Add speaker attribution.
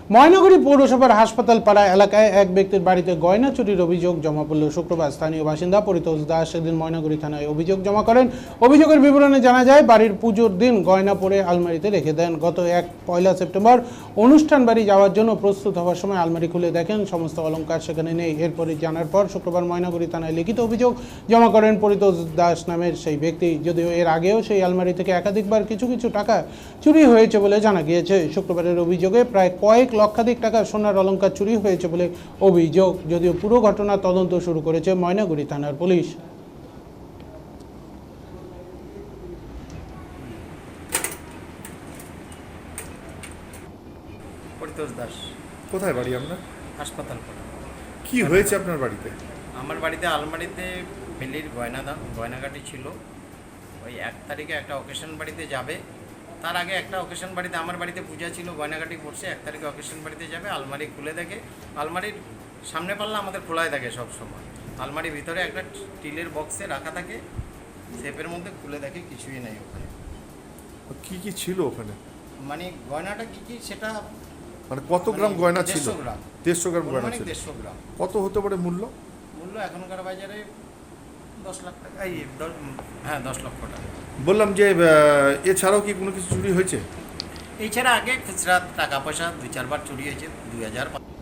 Speaker 1: ময়নাগুড়ি পৌরসভার হাসপাতাল পাড়া এলাকায় এক ব্যক্তির বাড়িতে গয়না চুরির অভিযোগ জমা পড়ল শুক্রবার। স্থানীয় বাসিন্দা পরিতোষ দাস সেদিন ময়নাগুড়ি থানায় অভিযোগ জমা করেন। অভিযোগের বিবরণে জানা যায়, বাড়ির পুজোর দিন গয়না পরে আলমারিতে রেখে দেন। গত 1 সেপ্টেম্বর অনুষ্ঠান বাড়ি যাওয়ার জন্য প্রস্তুত হওয়ার সময় আলমারি খুলে দেখেন সমস্ত অলংকার সেখানে নেই। এরপরে জানার পর শুক্রবার ময়নাগুড়ি থানায় লিখিত অভিযোগ জমা করেন পরিতোষ দাস নামের সেই ব্যক্তি। যদিও এর আগেও সেই আলমারি থেকে একাধিকবার কিছু টাকা চুরি হয়েছে বলে জানা গিয়েছে। শুক্রবারের অভিযোগে প্রায় কয়েক লক্ষাধিক টাকার সোনার অলংকার চুরি হয়েছে বলে অভিযোগ। যদিও পুরো ঘটনা তদন্ত শুরু করেছে ময়নাগুড়ি থানার পুলিশ।
Speaker 2: পরিতোষ দাস।
Speaker 3: কোথায় বাড়ি আপনার?
Speaker 2: হাসপাতাল।
Speaker 3: কি হয়েছে আপনার বাড়িতে?
Speaker 2: আমার বাড়িতে আলমারিতে বেলির গয়নাগাটি ছিল। ওই 1 তারিখে একটা অকেশন বাড়িতে যাবে, তার আগে একটা অকেশন বাড়িতে আমার বাড়িতে পূজা ছিল, গয়নাগাটি পড়ছে। 1 তারিখে অকেশন বাড়িতে যাবে, আলমারি খুলে দেখে আলমারির সামনে পাল্লা আমাদের খোলাই থাকে সব সময়। আলমারির ভিতরে একটা স্টিলের বক্সে রাখা থাকে, শেপের মধ্যে খুলে দেখে কিছুই নেই ওখানে।
Speaker 3: কি কি ছিল ওখানে?
Speaker 2: মানে গয়নাটা কি সেটা
Speaker 3: মানে কত গ্রাম গয়না ছিল?
Speaker 2: 150 গ্রাম।
Speaker 3: 150 গ্রাম গয়না ছিল।
Speaker 2: 150 গ্রাম।
Speaker 3: কত হতে পারে মূল্য?
Speaker 2: মূল্য এখনকার বাজারে 10 লাখ টাকা। হ্যাঁ, 10 লক্ষ টাকা।
Speaker 3: বললাম যে এছাড়াও কি কোনো কিছু চুরি হয়েছে?
Speaker 2: এছাড়া আগে খুচরা টাকা পয়সা 2-4 বার চুরি হয়েছে। 2005